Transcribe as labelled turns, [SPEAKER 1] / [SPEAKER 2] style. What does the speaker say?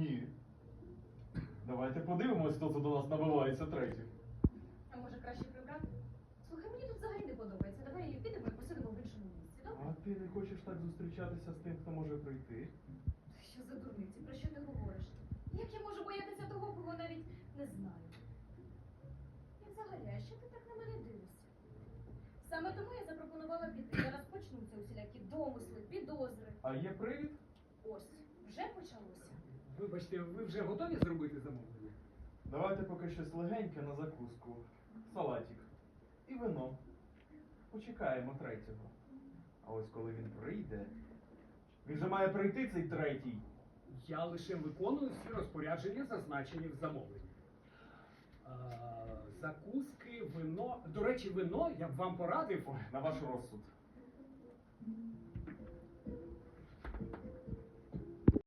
[SPEAKER 1] Ні. Давайте подивимось, хто це до нас набивається третій.
[SPEAKER 2] А може краще прибрати? Слухай, мені тут взагалі не подобається. Давай підемо і посидимо в іншому місці, добре?
[SPEAKER 1] А ти не хочеш так зустрічатися з тим, хто може прийти?
[SPEAKER 2] Що за дурниці? Про що ти говориш? Як я можу боятися того, кого навіть не знаю? І взагалі, а що ти так на мене дивишся? Саме тому я запропонувала піти. Зараз почнуться усілякі домисли, підозри.
[SPEAKER 1] А є привід?
[SPEAKER 2] Ось, вже почалося.
[SPEAKER 3] Вибачте, ви вже готові зробити замовлення?
[SPEAKER 1] Давайте поки щось легеньке на закуску. Салатик. І вино. Почекаємо третього. А ось коли він прийде. Він же має прийти цей третій.
[SPEAKER 3] Я лише виконую всі розпорядження, зазначені в замовленні. Закуски, вино. До речі, вино я б вам порадив.
[SPEAKER 1] Ой, на ваш розсуд.